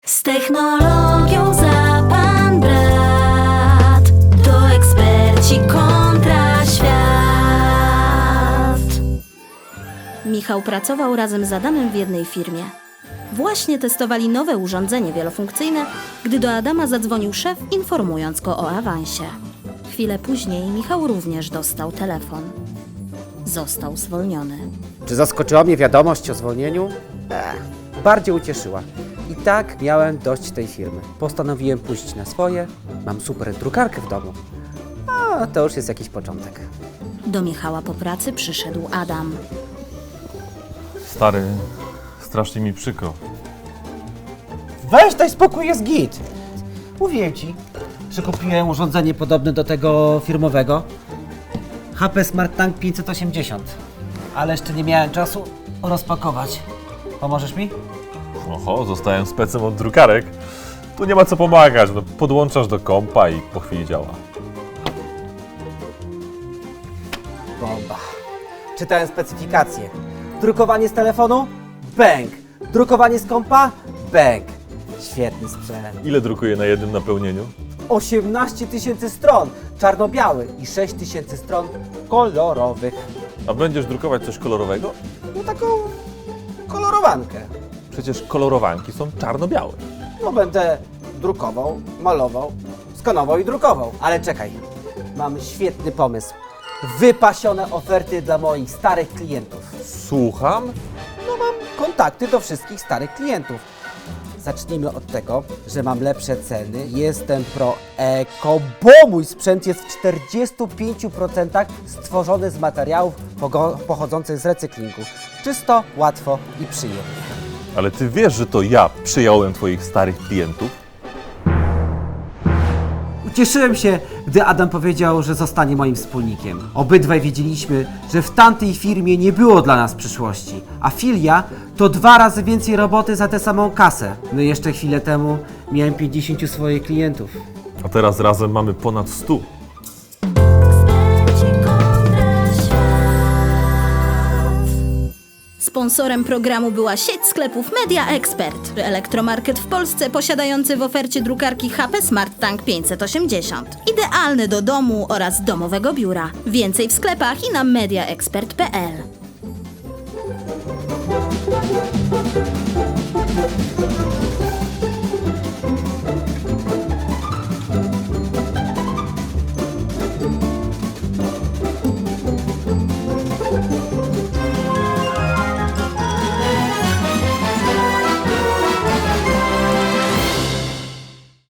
Z technologią za pan brat, to eksperci kontra świat. Michał pracował razem z Adamem w jednej firmie. Właśnie testowali nowe urządzenie wielofunkcyjne, gdy do Adama zadzwonił szef, informując go o awansie. Chwilę później Michał również dostał telefon. Został zwolniony. Czy zaskoczyła mnie wiadomość o zwolnieniu? Bardziej ucieszyła. I tak miałem dość tej firmy. Postanowiłem pójść na swoje. Mam super drukarkę w domu. A to już jest jakiś początek. Do Michała po pracy przyszedł Adam. Stary, strasznie mi przykro. Weź daj spokój, jest git. Mówiłem ci, że kupiłem urządzenie podobne do tego firmowego. HP Smart Tank 580. Ale jeszcze nie miałem czasu rozpakować. Pomożesz mi? Oho, zostałem specem od drukarek. Tu nie ma co pomagać, no, podłączasz do kompa i po chwili działa. Bomba. Czytałem specyfikację. Drukowanie z telefonu? Bęk. Drukowanie z kompa? Bęk. Świetny sprzęt. Ile drukuje na jednym napełnieniu? 18 000 stron czarno-białych i 6 000 stron kolorowych. A będziesz drukować coś kolorowego? No taką kolorowankę. Przecież kolorowanki są czarno-białe. No będę drukował, malował, skanował i drukował. Ale czekaj, mam świetny pomysł. Wypasione oferty dla moich starych klientów. Słucham? No mam kontakty do wszystkich starych klientów. Zacznijmy od tego, że mam lepsze ceny, jestem pro eko, bo mój sprzęt jest w 45% stworzony z materiałów pochodzących z recyklingu. Czysto, łatwo i przyjemnie. Ale ty wiesz, że to ja przyjąłem twoich starych klientów? Ucieszyłem się, gdy Adam powiedział, że zostanie moim wspólnikiem. Obydwaj wiedzieliśmy, że w tamtej firmie nie było dla nas przyszłości, a filia to 2 razy więcej roboty za tę samą kasę. No i jeszcze chwilę temu miałem 50 swoich klientów. A teraz razem mamy ponad 100. Eksperci kontra świat. Sponsorem programu była sieć sklepów Media Expert, elektromarket w Polsce posiadający w ofercie drukarki HP Smart Tank 580. Idealny do domu oraz domowego biura. Więcej w sklepach i na mediaexpert.pl.